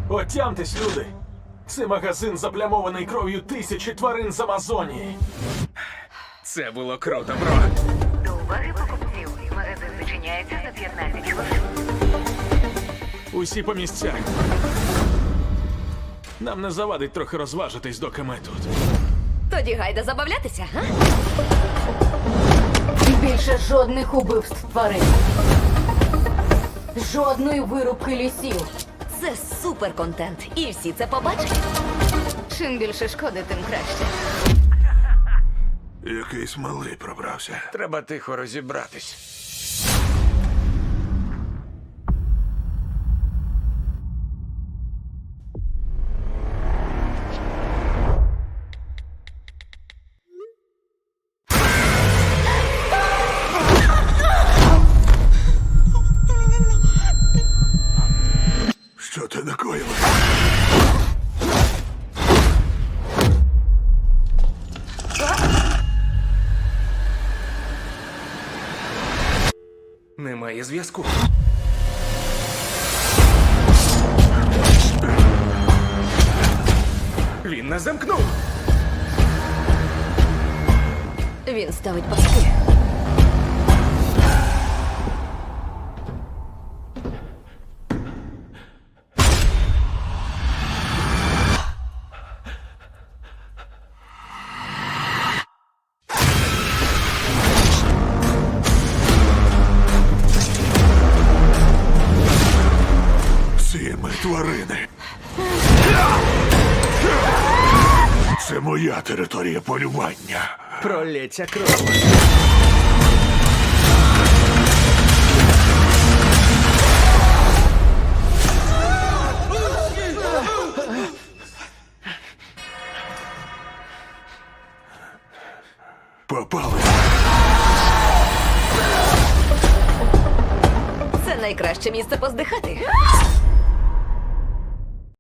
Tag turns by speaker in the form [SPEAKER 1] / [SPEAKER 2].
[SPEAKER 1] Отямтесь, люди! Це магазин заплямований кров'ю тисячі тварин з Амазонії.
[SPEAKER 2] Це було круто, бро.
[SPEAKER 3] До уваги покупців. Магазин зачиняється за 15 хвилин.
[SPEAKER 1] Усі по місцях. Нам не завадить трохи розважитись, доки ми тут.
[SPEAKER 4] Тоді гайда забавлятися, га?
[SPEAKER 5] Більше жодних убивств тварин. Жодної вирубки лісів.
[SPEAKER 4] Це супер контент, і всі це побачать.
[SPEAKER 5] Чим більше шкоди, тим краще.
[SPEAKER 6] Якийсь малий пробрався.
[SPEAKER 2] Треба тихо розібратись.
[SPEAKER 6] Що ти накоїла?
[SPEAKER 2] Немає зв'язку. Він нас замкнув.
[SPEAKER 4] Він ставить паски.
[SPEAKER 6] Ці ми тварини. Це моя територія полювання.
[SPEAKER 2] Пролється кров.
[SPEAKER 6] Попали.
[SPEAKER 4] Це найкраще місце поздихати.